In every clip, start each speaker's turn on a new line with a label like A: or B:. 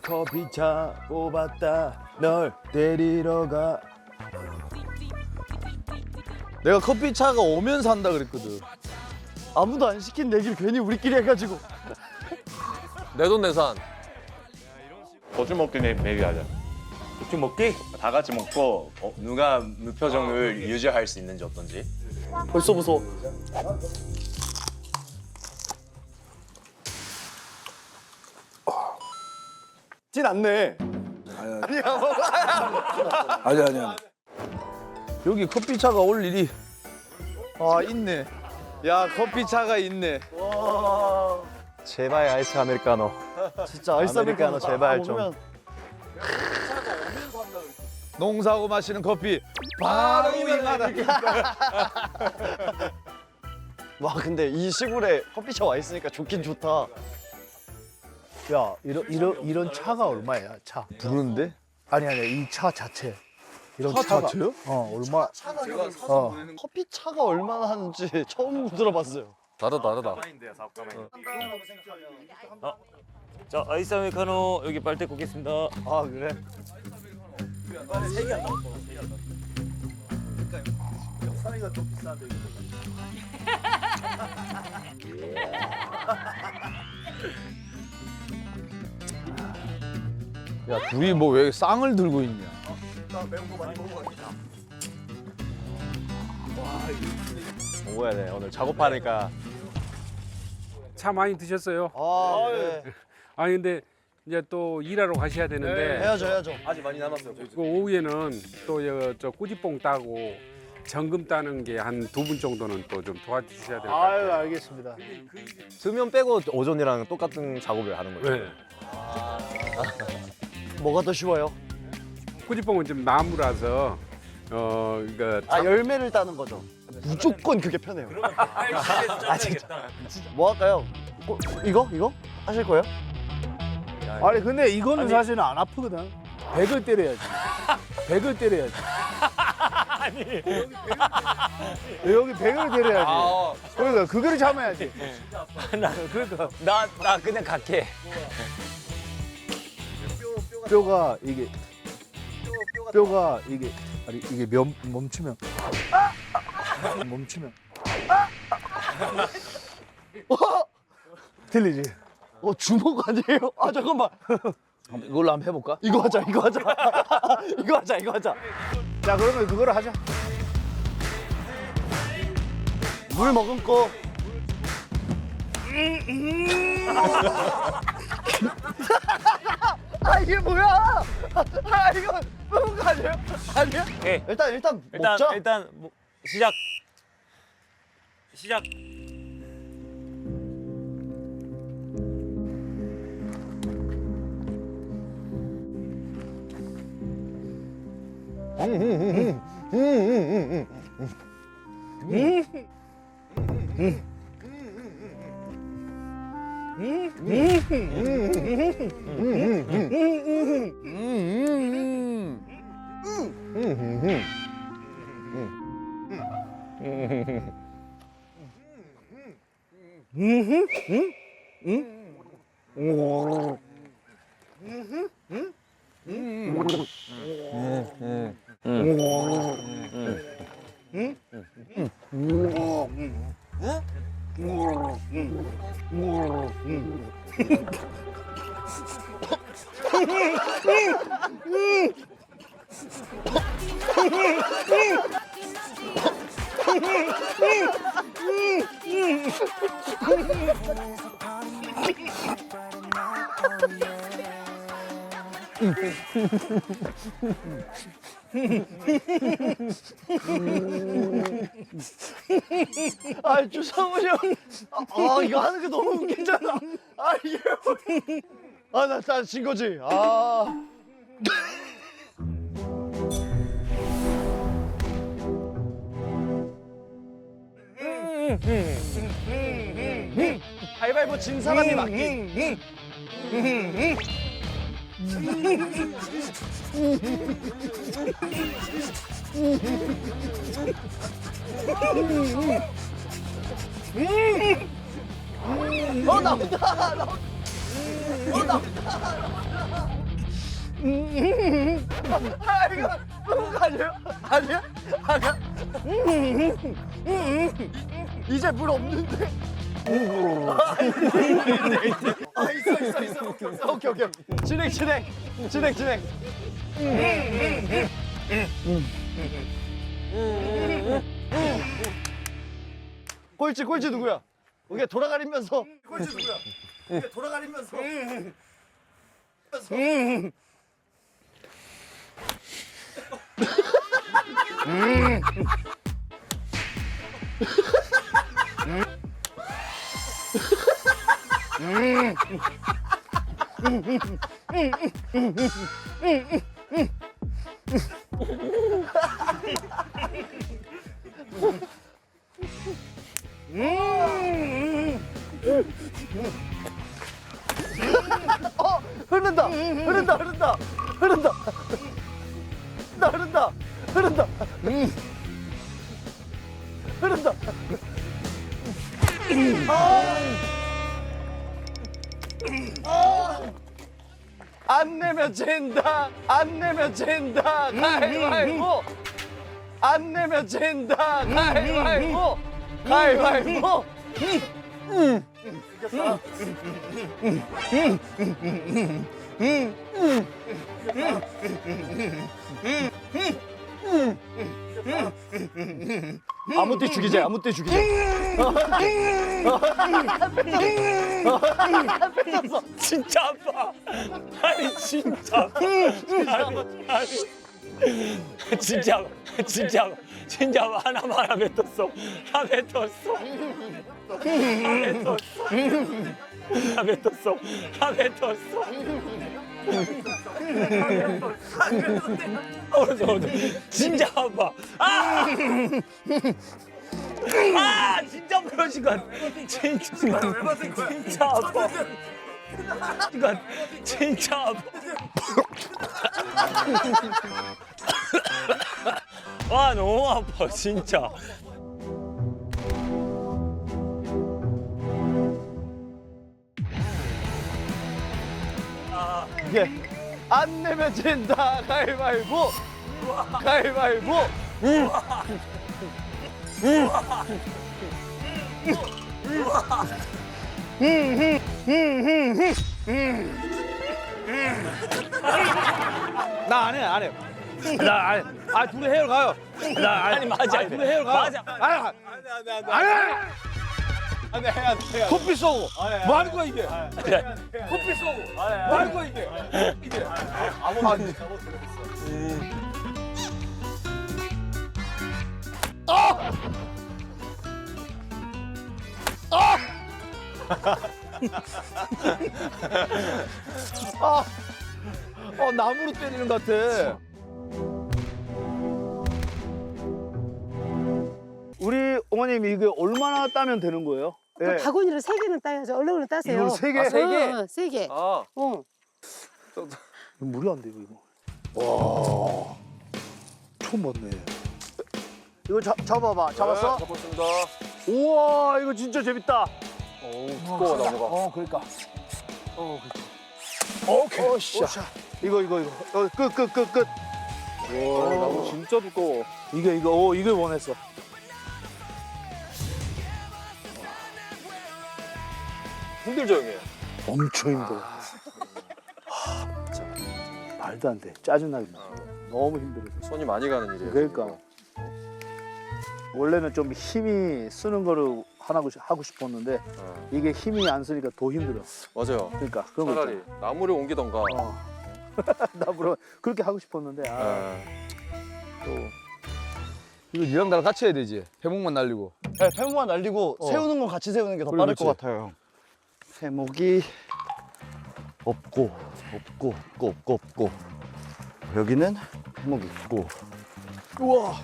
A: 커피차 뽑았다 널 데리러 가.
B: 내가 커피차가 오면서 한다 그랬거든.
A: 아무도 안 시킨 얘기를 괜히 우리끼리 해가지고.
B: 내 돈 내산.
C: 고추 먹기 내기하자.
D: 고추 먹기?
C: 다 같이 먹고 누가 무표정을 유지할 수 있는지 어떤지.
A: 벌써 무서워. 찐 않네.
B: 아니야. 여기 커피차가 올 일이 있네. 야 커피차가 있네.
A: 제발 아이스 아메리카노. 진짜 아이스 아메리카노 제발 좀.
B: 농사하고 마시는 커피 바로 윙하다.
A: 와 근데 이 시골에 커피숍 와 있으니까 좋긴 좋다.
E: 야, 이런 차가 얼마야, 차?
B: 부르는데?
E: 아니, 이 차 자체. 이런
B: 차
E: 차가.
B: 자체요?
E: 얼마?
A: 커피 차가 얼마나 하는지 처음 들어봤어요.
B: 다르다.
D: 자, 아이스 아메리카노 여기 빨대 꽂겠습니다.
A: 아 그래?
B: 야 둘이 뭐 왜 쌍을 들고 있냐?
C: 먹어야 돼. 오늘 작업하니까.
F: 차 많이 드셨어요?
A: 아 네.
F: 아니 근데 이제 또 일하러 가셔야 되는데
A: 해야죠.
C: 아직 많이 남았어요.
F: 그 오후에는 또 저 꾸지뽕 따고 정금 따는 게 한 2분 정도는 또 좀 도와주셔야 될 것
E: 아유,
F: 같아요.
E: 알겠습니다.
C: 수면 빼고 오전이랑 똑같은 작업을 하는 거죠.
F: 네.
A: 뭐가 더 쉬워요?
F: 꾸지뽕은 좀 나무라서 그러니까
A: 아 열매를 따는 거죠. 무조건 그게 편해요. 아 진짜. 뭐 할까요? 이거 하실 거예요?
E: 아니, 근데 이거는 사실은 안 아프거든. 100을 때려야지. 100을 때려야지. 아니. 여기 100을 때려야지. 그러니까 그거를 참아야지. 그러니까
D: 나 그냥 갈게.
E: 뼈가 이게 아니 이게 멈추면 들리지?
A: 주먹 아니에요? 아 잠깐만.
B: 이걸로 한번 해볼까?
A: 이거 하자. 이거 하자.
E: 자, 그러면 그거를 하자.
A: 물 머금고. 아 이게 뭐야? 아 이거 먹은 거 아니에요? 아니야?
D: 예.
A: 일단 먹자.
D: 일단 시작.
A: 아 주성훈이 형. 아 이거 하는 게 너무 웃기잖아. 아 이게 아나 진 거지. 아. 가위바위보 진 사람이 맞기. 나온다. 나온다. 아 이거 그런 거 아니에요? 아니야? 아니야? 이제 물 없는데? 아 있어. 오케이. 진행. 꼴찌 누구야? 오케이 돌아가리면서. 꼴찌 누구야? 오케이 돌아가리면서. 흐른다. 안 내면 진다. 가위바위보. 안 내면 진다. 가위바위보. 아무 때 죽이자. 뺏었어.
D: 진짜 아파. 아니 진짜 아파. 아니, 진짜 하나 뱉었어. 진짜 아파. 진짜 그런 시간. 진짜 아파. 진짜 아파. 너무 아파 진짜.
A: 이게 안 내면 진다. 가위바위보.
B: 나 안 해. 아 둘이 해외로 가요.
D: 아니 맞아.
B: 둘이 해외로 가요.
D: 맞아.
B: 안 해. 커피 쏘고. 뭐 하는 거야 이게? 커피 쏘고. 뭐 하는 거야 이게? 나무로 때리는 것 같아.
E: 우리 어머님 이게 얼마나 따면 되는 거예요? 예.
G: 바구니를 3개는 따야죠. 얼른 따세요.
E: 이걸 3개?
B: 세 개?
G: 3개.
B: 아.
E: 무리 안 돼, 이거. 와. 처음 봤네. 이거 잡아봐. 잡았어?
B: 잡았습니다.
E: 우와, 이거 진짜 재밌다.
B: 두꺼워 나무가.
E: 그러니까. 오케이. 씨. 이거. 끝.
B: 와 나무 진짜 두꺼워.
E: 이거 원했어.
B: 힘들죠 형님?
E: 엄청 힘들어. 진짜 말도 안 돼. 짜증나게. 너무 힘들어.
B: 손이 많이 가는 일이에요.
E: 그러니까. 원래는 좀 힘이 쓰는 거를 하고 싶었는데 이게 힘이 안 쓰니까 더 힘들어.
B: 맞아요.
E: 그러니까 그런 거
B: 차라리
E: 있잖아.
B: 나무를 옮기던가.
E: 나 물론 그렇게 하고 싶었는데
B: 이거 니랑 나랑 같이 해야 되지. 해목만 날리고.
A: 네, 패목만 날리고 세우는 건 같이 세우는 게 더 빠를 것 같아요. 패목이 없고 여기는 패목이 있고. 우와.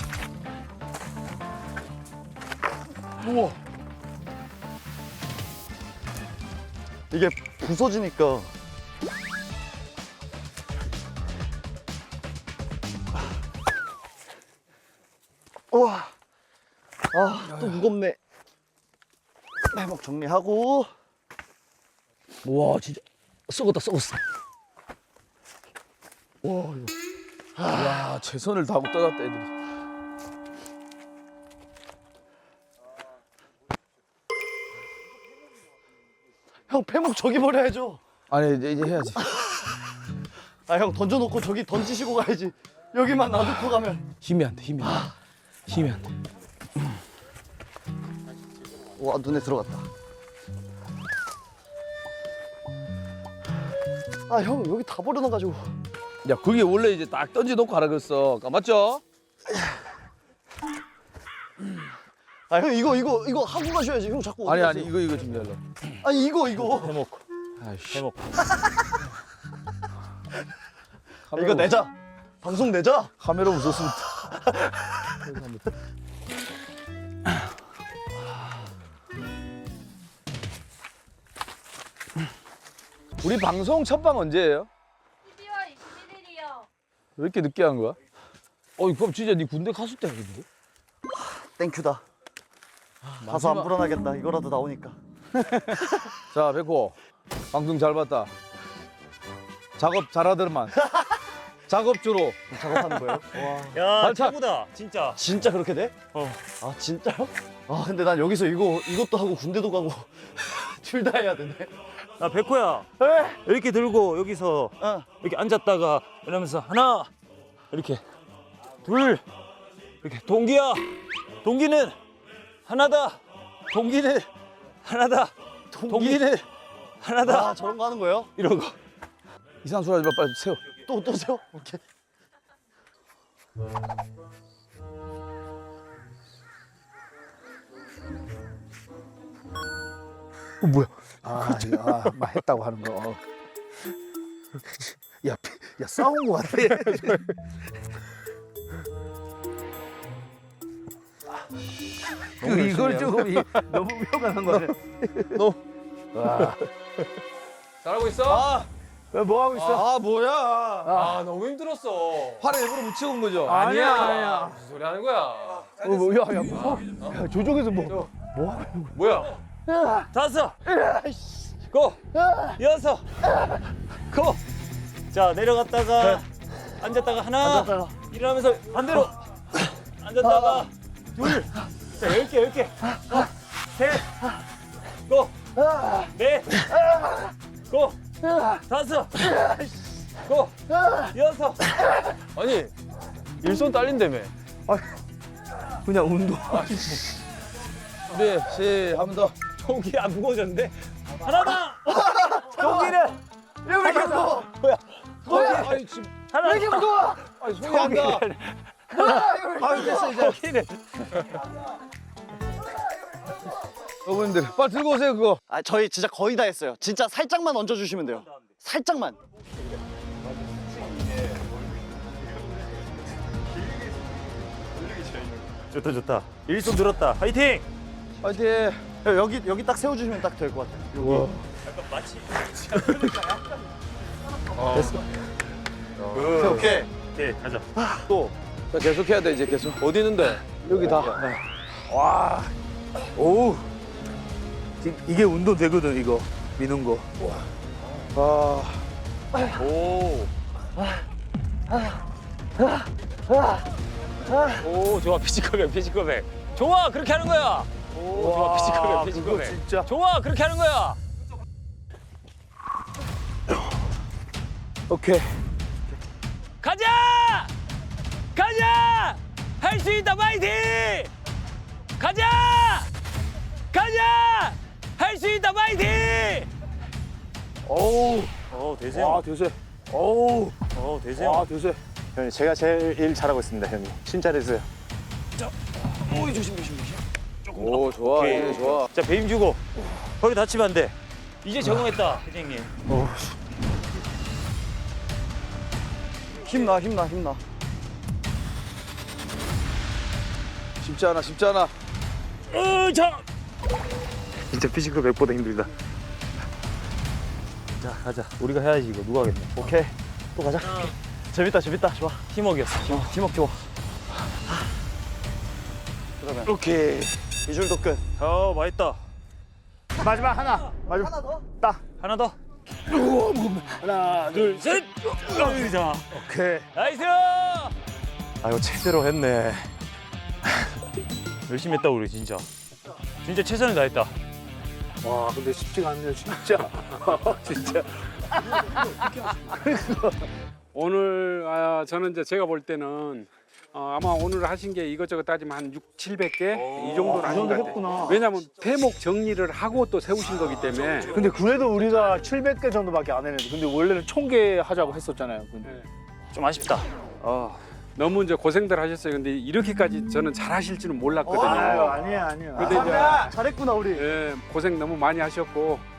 A: 이게 부서지니까. 우와. 또 무겁네. 패목 정리하고.
B: 와 진짜 썩었다. 야 최선을 다하고 떠났다 애들이.
A: 형 패목 저기 버려야죠.
B: 아니 이제 해야지.
A: 아 형 던져놓고 저기 던지시고 가야지. 여기만 놔두고 가면.
B: 힘이 안 돼. 힘이 안 돼. 힘이 안 돼.
A: 와 눈에 들어갔다. 아 형 여기 다 버려놔가지고.
B: 야 그게 원래 이제 딱 던져놓고 하라 그랬어. 맞죠?
A: 아 형 이거 하고 가셔야지. 형 자꾸 어디
B: 아니
A: 가세요?
B: 이거 준비하려고.
A: 아니 이거.
D: 해먹고
B: 아이씨.
D: 해먹고.
A: 이거 내자. 방송 내자.
B: 카메라 무섭습니다. 우리 방송 첫방 언제예요?
H: 12월 21일이요.
B: 왜 이렇게 늦게 한 거야? 그럼 진짜 네 군대 갔을 때 하겠는데?
A: 땡큐다. 가서 안 불안하겠다. 이거라도 나오니까.
B: 자, 백호. 방송 잘 봤다. 작업 잘하더만. 작업주로.
A: 작업하는 거예요? 와.
D: 야
B: 발차.
D: 최고다 진짜.
A: 진짜 그렇게 돼? 아 진짜요? 아 근데 난 여기서 이것도 하고 군대도 가고 둘 다 해야 되네.
D: 야 백호야 이렇게 들고 여기서 이렇게 앉았다가 이러면서 하나 이렇게 둘 이렇게 동기는 하나다 동기는 하나다 동기는 하나다
A: 아 저런 거 하는 거예요?
D: 이런 거.
B: 이상한 소리 하지 마. 빨리 세워.
A: 또 세요? 오케이.
E: 뭐야? 막 했다고 하는 거. 야 싸운 거 같아. 이걸 조금 너무 표현한 거네.
B: 잘하고 있어?
E: 뭐 하고 있어?
B: 뭐야?
F: 너무 힘들었어.
B: 팔에 일부러 묻히고 온 거죠?
E: 아니야.
F: 무슨 소리 하는 거야?
E: 야, 저쪽에서
F: 뭐야?
D: 다섯 고 여섯 고. 자 내려갔다가 앉았다가 하나 일어나면서 반대로 앉았다가 둘. 자 10개 셋 고. 넷 고. 다섯 고. 여섯.
B: 아니, 일손 딸린다며.
E: 그냥 운동.
B: 준비, 한 번 더.
D: 동기 안 무거워졌는데 하나만. 동기는
A: 왜 이렇게 무거워?
B: 뭐야? 아니, 지금.
D: 하나.
A: 왜 이렇게 무거워?
B: 아니, 손이 한다.
A: 됐어 이제.
D: 동기는
B: 여러분들, 빨리 들고 오세요, 그거.
A: 아 저희 진짜 거의 다 했어요. 진짜 살짝만 얹어주시면 돼요. 살짝만.
D: 좋다. 일손 들었다. 화이팅.
B: 파이팅.
A: 여기 딱 세워주시면 딱 될 것 같아요. 여기. 오케이.
D: 오케이 가자.
B: 또. 자, 계속 해야 돼, 이제 계속. 어디 있는데? 여기 다.
E: 오우. 이게 운동 되거든 이거 미는 거.
D: 오 좋아 피지컬백. 좋아 그렇게 하는 거야. 오 좋아 피지컬백.
E: 진짜.
D: 좋아 그렇게 하는 거야.
E: 오케이.
D: 가자 할 수 있다 파이팅. 가자 할 수 있다 파이팅.
E: 오우.
D: 대세.
E: 와 대세. 오우.
D: 대세.
E: 와 대세.
C: 형님 제가 제일 일 잘하고 있습니다 형님. 칭찬해주세요.
B: 오, 좋아,
D: 오케이.
B: 이제 좋아.
D: 자 배임 주고 허리 다치면 안 돼. 이제 적응했다 회장님.
A: 힘나.
B: 쉽지 않아, 쉽지 않아.
D: 자.
C: 진짜 피지컬 100보다 힘들다.
D: 자 가자. 우리가 해야지 이거 누가 하겠네.
A: 오케이. 또 가자. 재밌다. 좋아.
D: 팀워크였어.
A: 팀워크 좋아. 그러면
D: 오케이.
A: 이 줄도 끝.
D: 맛있다.
E: 마지막 하나.
A: 하나 더?
D: 하나 더.
E: 하나 둘.
D: 셋.
E: 오케이.
D: 나이스.
A: 아 이거 제대로 했네.
D: 열심히 했다 우리 진짜. 진짜 최선을 다했다.
E: 와 근데 쉽지가 않네요 진짜. 진짜.
F: 오늘 저는 이제 제가 볼 때는 아마 오늘 하신 게 이것저것 따지면 한 700개 이 정도는 하신 것 같아요. 왜냐하면 대목 정리를 하고 또 세우신 거기 때문에.
E: 근데 그래도 우리가 700개 정도밖에 안 했는데 근데 원래는 1000개 하자고 했었잖아요. 근데.
F: 네.
D: 좀 아쉽다.
F: 너무 이제 고생들 하셨어요. 근데 이렇게까지 저는 잘하실 줄은 몰랐거든요.
E: 아니에요.
F: 근데 이제
A: 잘했구나 우리.
F: 예, 고생 너무 많이 하셨고